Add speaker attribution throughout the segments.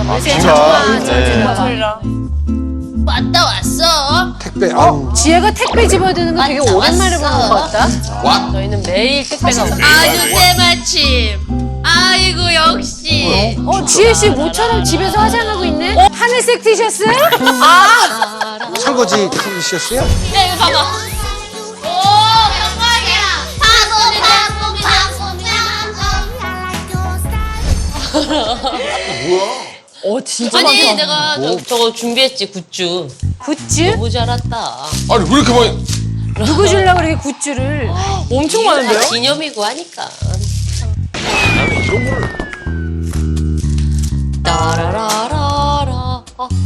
Speaker 1: 왔다 왔어.
Speaker 2: 택배.
Speaker 3: 지혜가 택배 집어드는 거 되게
Speaker 1: 왔다,
Speaker 3: 오랜만에 보는
Speaker 1: 왔어.
Speaker 3: 것 같다.
Speaker 4: 저희는 매일 택배가 오고.
Speaker 1: 아주 때마침. 아이고 역시.
Speaker 3: 지혜 씨 모처럼 집에서 화장하고 있네. 하늘색 티셔츠?
Speaker 2: 설거지 티셔츠야?
Speaker 1: 야 이거 봐봐. 오 영광이야.
Speaker 4: 진짜
Speaker 1: 아니
Speaker 4: 많다.
Speaker 1: 내가 저거 준비했지 굿즈.
Speaker 3: 굿즈?
Speaker 1: 너무 잘 왔다.
Speaker 5: 아니 왜 이렇게 많이?
Speaker 3: 누구 주려고 그렇게 굿즈를.
Speaker 4: 엄청 많은데요?
Speaker 1: 기념이고 하니까.
Speaker 5: 이런 거를
Speaker 1: 따라라라라.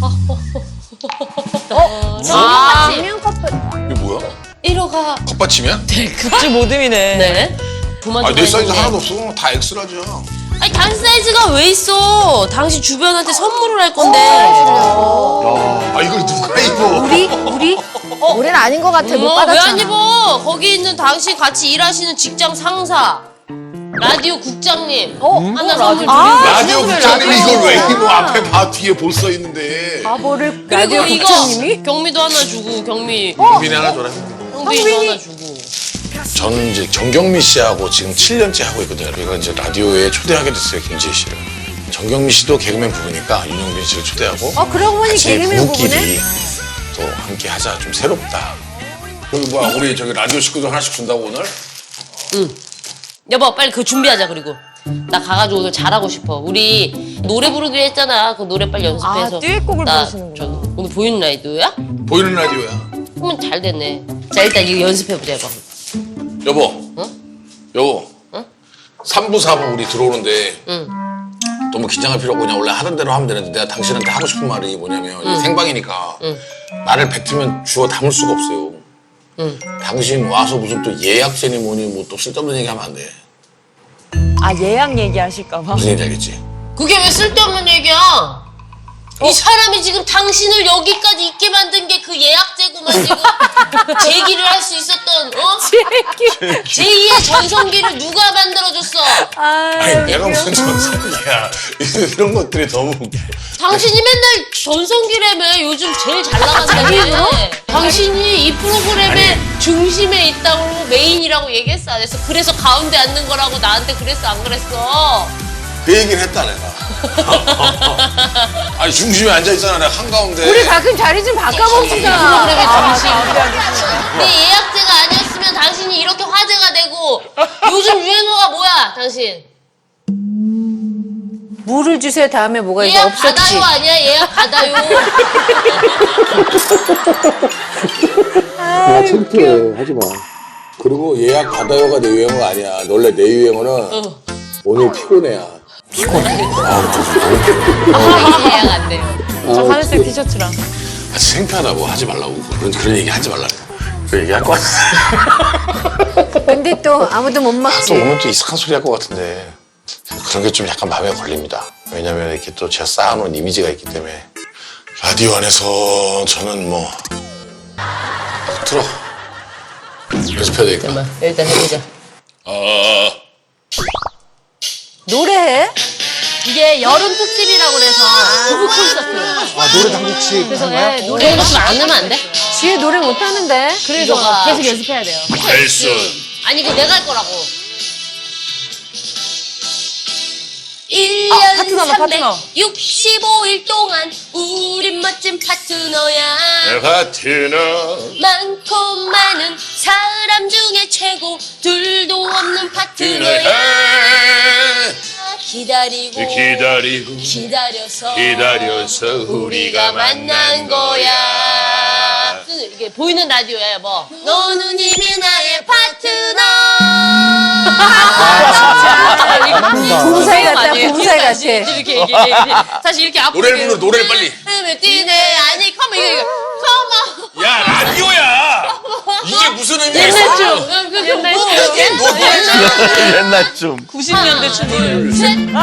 Speaker 3: 안녕 커플.
Speaker 5: 이게 뭐야?
Speaker 1: 1호가
Speaker 5: 컵받침이야?
Speaker 4: 굿즈 모듬이네.
Speaker 1: 네. 도마도
Speaker 5: 아내 사이즈
Speaker 1: 있네.
Speaker 5: 하나도 없어. 다 X라죠.
Speaker 1: 아니 당신 사이즈가 왜 있어? 당신 주변한테 선물을 할 건데.
Speaker 5: 아 이걸 누가 입어?
Speaker 3: 우리?
Speaker 6: 올해는 아닌 것 같아. 못
Speaker 1: 왜
Speaker 6: 받았잖아.
Speaker 1: 안 입어? 거기 있는 당신 같이 일하시는 직장 상사, 라디오 국장님 하나 선물 드리고.
Speaker 5: 라디오 국장님이 이걸 왜 입어? 앞에 봐 뒤에 볼 써 있는데.
Speaker 3: 바보를
Speaker 1: 그리고
Speaker 3: 라디오
Speaker 1: 이거
Speaker 3: 국장님이?
Speaker 1: 경미도 하나 주고 경미
Speaker 5: 경빈이 하나 줘라.
Speaker 1: 형빈이도 하나 주고.
Speaker 5: 저는 이제 정경미 씨하고 지금 7년째 하고 있거든요. 저희가 이제 라디오에 초대하게 됐어요, 김지혜 씨를. 정경미 씨도 개그맨 부부니까 윤영빈 씨를 초대하고
Speaker 3: 그러고 보니
Speaker 5: 같이
Speaker 3: 개그맨 부부네?
Speaker 5: 부부끼리 또 함께 하자. 좀 새롭다. 그리고 뭐야, 우리 저기 라디오 식구들 하나씩 준다고 오늘?
Speaker 1: 여보 빨리 그거 준비하자. 그리고 나 가가지고 오늘 잘하고 싶어. 우리 노래 부르기로 했잖아. 그 노래 빨리 연습해서.
Speaker 4: 듀엣곡을
Speaker 1: 나
Speaker 4: 부르시는구나.
Speaker 1: 저기 오늘 보이는 라디오야?
Speaker 5: 보이는 라디오야.
Speaker 1: 그러면 잘 됐네. 자 일단 이거 연습해보자 여보.
Speaker 5: 여보.
Speaker 1: 어?
Speaker 5: 여보.
Speaker 1: 어?
Speaker 5: 3부, 4부 우리 들어오는데
Speaker 1: 응.
Speaker 5: 너무 긴장할 필요 없고 그냥 원래 하던 대로 하면 되는데 내가 당신한테 하고 싶은 말이 뭐냐면 이게 생방이니까 말을 뱉으면 주워 담을 수가 없어요. 당신 와서 무슨 또 예약제니 뭐니 뭐 또 쓸데없는 얘기 하면 안 돼.
Speaker 4: 예약 얘기하실까봐.
Speaker 5: 무슨 얘기인지 알겠지?
Speaker 1: 그게 왜 쓸데없는 얘기야? 이 사람이 지금 당신을 여기까지 있게 만든 게 그 예약제구만. 지금 제기를 할 수 있었던 제2의 전성기를 누가 만들어줬어?
Speaker 5: 아니 내가 무슨 전성기야. 이런 것들이 너무
Speaker 1: 당신이 맨날 전성기라며. 요즘 제일 잘 나간다며. 당신이 이 프로그램의 중심에 있다고 메인이라고 얘기했어 안 했어? 그래서 가운데 앉는 거라고 나한테 그랬어 안 그랬어?
Speaker 5: 그 얘기를 했다 내가. 아니 중심에 앉아있잖아 내가 한가운데.
Speaker 3: 우리 가끔 자리 좀 바꿔봅시다.
Speaker 1: 프로그램의 중심. 내 예약제가 아니었으면 당신이 이렇게 화제가 되고. 요즘 유행어가 뭐야 당신?
Speaker 3: 물을 주세요 다음에 뭐가 이제
Speaker 1: 예약
Speaker 3: 없었지.
Speaker 1: 받아요 아니야? 예약 받아요.
Speaker 5: 야 창피해 하지 마. 그리고 예약 받아요가 내 유행어가 아니야. 원래 내 유행어는 오늘 피곤해야.
Speaker 1: 예약 안 돼요.
Speaker 4: 저 하늘색 티셔츠랑.
Speaker 5: 아, 창피하다고 하지 말라고. 그런 얘기 하지 말라고. 그 얘기 할 것 같아.
Speaker 3: 근데 또 아무도 못 막지.
Speaker 5: 또 오늘 또 이상한 소리 할 것 같은데 그런 게 좀 약간 마음에 걸립니다. 왜냐면 이렇게 또 제가 쌓아놓은 이미지가 있기 때문에. 라디오 안에서 저는 뭐 들어 연습해야 되니까.
Speaker 1: 잠깐만 일단 해보자.
Speaker 3: 노래해?
Speaker 1: 이게 여름 특집이라고 그래서 부부 콘서트.
Speaker 2: 노래 당국식
Speaker 1: 그래서 노래 연습 안 하면 안 돼?
Speaker 3: 지혜 노래 못하는데.
Speaker 1: 그래서 계속 연습해야 돼요.
Speaker 5: 헬스.
Speaker 1: 아니 그 내가 할 거라고. 1년
Speaker 4: 파트너다, 파트너.
Speaker 1: 365일 동안 우린 멋진 파트너야.
Speaker 5: 파트너.
Speaker 1: 많고 많은 사람 중에 최고 둘도 없는 파트너야. 기다리고 기다려서 우리가 만난 거야. 이게 보이는 라디오야 여보. 너는 이미 나의 파트너.
Speaker 3: 부부사이 같다, 부부사이 같아.
Speaker 1: 이렇게 얘기해. 사실 이렇게 앞으로
Speaker 5: 노래를 불러, 노래를 빨리.
Speaker 1: 뛰네. 아니 컴온 이거 컴온.
Speaker 5: 야 라디오야. 이게 무슨 의미야?
Speaker 1: 옛날 춤. 옛날 춤.
Speaker 2: 옛날 좀.
Speaker 4: 90년대 춤을.
Speaker 1: 셋.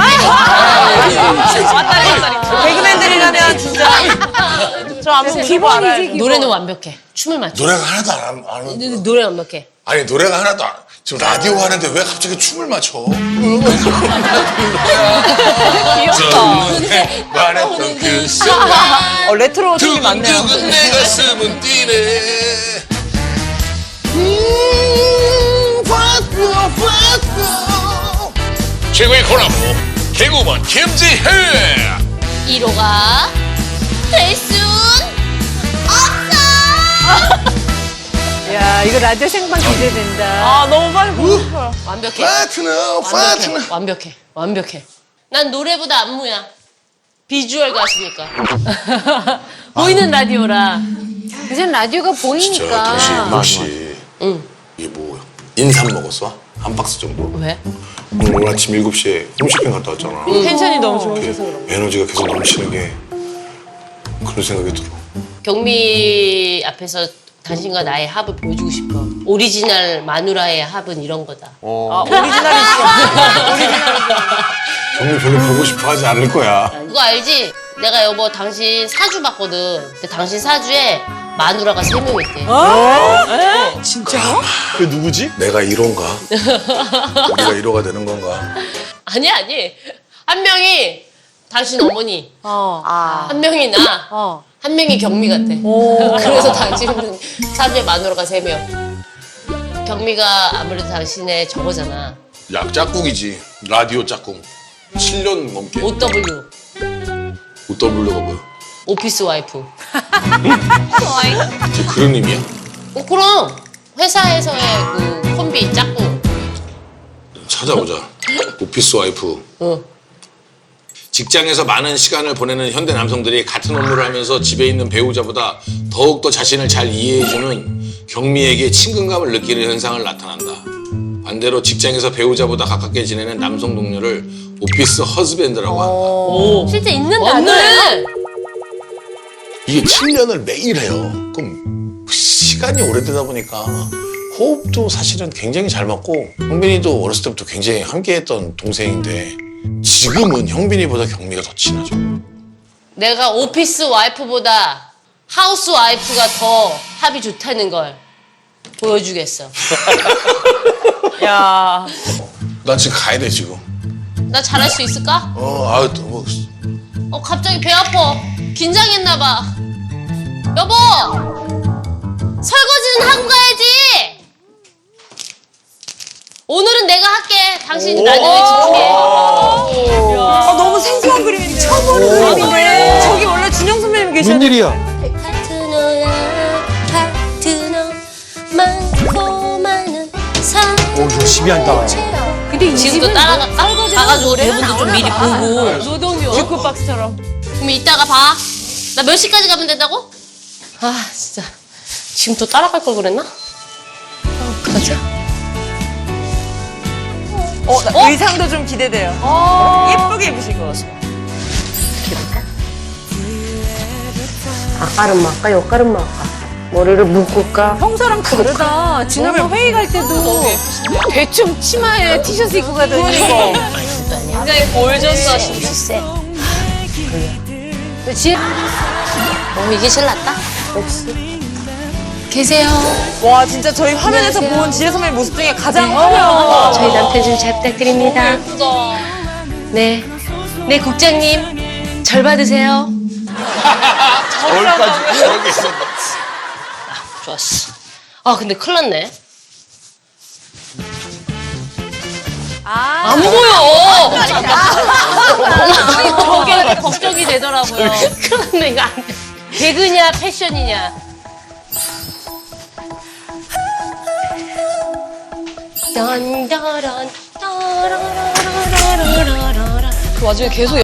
Speaker 4: 왔다리 갔다리. 개그맨들이라면 진짜. 저 안무 기본 알아요.
Speaker 1: 노래는 완벽해. 춤을 맞춰.
Speaker 5: 노래가 하나도 안 하는데.
Speaker 1: 노래 완벽해.
Speaker 5: 아니 노래가 하나도 안. 지금 라디오 하는데 왜 갑자기 춤을 맞춰?
Speaker 4: 귀엽다.
Speaker 5: 말했던 그 순간
Speaker 4: 레트로 팀이 많네요.
Speaker 5: 두근두근 내 가슴은 뛰네. 최고의 코라보 개그우먼 김지혜.
Speaker 1: 1호가 될 순 없어.
Speaker 3: 야, 이거 라디오 생방 기대된다.
Speaker 4: 아, 너무 빨리 보고 싶어요.
Speaker 1: 완벽해.
Speaker 5: 파트너 파트너.
Speaker 1: 완벽해. 난 노래보다 안무야. 비주얼 가수니까.
Speaker 3: 보이는 라디오라. 요즘 라디오가
Speaker 5: 진짜
Speaker 3: 보이니까.
Speaker 5: 당신 혹시 이게 뭐 인삼 먹었어? 한 박스 정도?
Speaker 1: 왜?
Speaker 5: 오늘 아침 7시에 홈쇼핑 갔다 왔잖아.
Speaker 4: 텐션이 너무 좋으셔서 그런
Speaker 5: 에너지가 계속 넘치는 게 그런 생각이 들어.
Speaker 1: 경미 앞에서 당신과 나의 합을 보여주고 싶어. 오리지널 마누라의 합은 이런 거다.
Speaker 4: 아, 오리지널이시죠?
Speaker 5: 정말 별로 보고 싶어 하지 않을 거야.
Speaker 1: 그거 알지? 내가 여보 당신 사주 봤거든. 근데 당신 사주에 마누라가 3명 있대.
Speaker 5: 그 누구지? 내가 1호인가? 우리가 1호가 되는 건가?
Speaker 1: 아니. 한 명이 당신 어머니. 한 명이 나. 한 명이 경미 같대. 그래서 당신은 사주에 마누라가 3명. 경미가 아무래도 당신의 저거잖아.
Speaker 5: 약 짝꿍이지. 라디오 짝꿍. 7년 넘게.
Speaker 1: OW.
Speaker 5: OW가 뭐야?
Speaker 1: 오피스 와이프.
Speaker 5: 그게 그런 의미야?
Speaker 1: 그럼 회사에서의 그 콤비 짝꿍.
Speaker 5: 찾아보자. 오피스 와이프. 직장에서 많은 시간을 보내는 현대 남성들이 같은 업무를 하면서 집에 있는 배우자보다 더욱더 자신을 잘 이해해주는 경미에게 친근감을 느끼는 현상을 나타난다. 반대로 직장에서 배우자보다 가깝게 지내는 남성 동료를 오피스 허즈밴드라고 한다.
Speaker 3: 실제 있는 단어예요?
Speaker 1: 맞네.
Speaker 5: 이게 7년을 매일 해요. 그럼 시간이 오래되다 보니까 호흡도 사실은 굉장히 잘 맞고 형빈이도 어렸을 때부터 굉장히 함께했던 동생인데 지금은 형빈이보다 경미가 더 친하죠.
Speaker 1: 내가 오피스 와이프보다 하우스 와이프가 더 합이 좋다는 걸 보여주겠어.
Speaker 4: 야,
Speaker 5: 나 지금 가야 돼 지금.
Speaker 1: 나 잘할 수 있을까? 갑자기 배 아파. 긴장했나 봐. 여보! 설거지는 하고 가야지! 오늘은 내가 할게. 당신이 나중에 지키게.
Speaker 4: 아, 너무 생소한 그림인데. 처음 보는 그림인데. 저기 원래 진영 선배님 계셔야 돼.
Speaker 2: 웬일이야?
Speaker 1: 파트너야 파트너 많고 많은 사람.
Speaker 2: 오, 열심히 한다.
Speaker 3: 근데 이
Speaker 1: 지금도
Speaker 3: 집은
Speaker 1: 따라갈까? 가가지고 대본도 좀 미리 보고.
Speaker 3: 노동요.
Speaker 4: 듀크박스처럼.
Speaker 1: 그럼 이따가 봐. 나 몇 시까지 가면 된다고? 아 진짜 지금 또 따라갈 걸 그랬나? 가자.
Speaker 4: 의상도 좀 기대돼요. 예쁘게 입으실 것 같아요.
Speaker 1: 앞가름 할까? 옆가름 할까? 머리를 묶을까?
Speaker 3: 평소랑 다르다. 지난번 회의 갈 때도 대충 치마에 티셔츠 입고 가더니.
Speaker 1: 굉장히 볼졌어. 쎄.
Speaker 3: 지혜
Speaker 1: 이게 제일 낫다. 역시. 계세요.
Speaker 4: 와, 진짜 저희 화면에서 본 지혜 선배님 모습 중에 가장 화려한.
Speaker 1: 저희 남편 좀 잘 부탁드립니다. 네. 네, 국장님. 절 받으세요.
Speaker 5: 얼까지 저렇게 있었다.
Speaker 1: 좋았어. 근데 큰일 났네. 안 보여! 저게 걱정이 되더라고요. 큰일 났네, 이거 안 돼. 개그냐, 패션이냐. 딴따란, 따라라라라라라라.
Speaker 4: 그 와중에 계속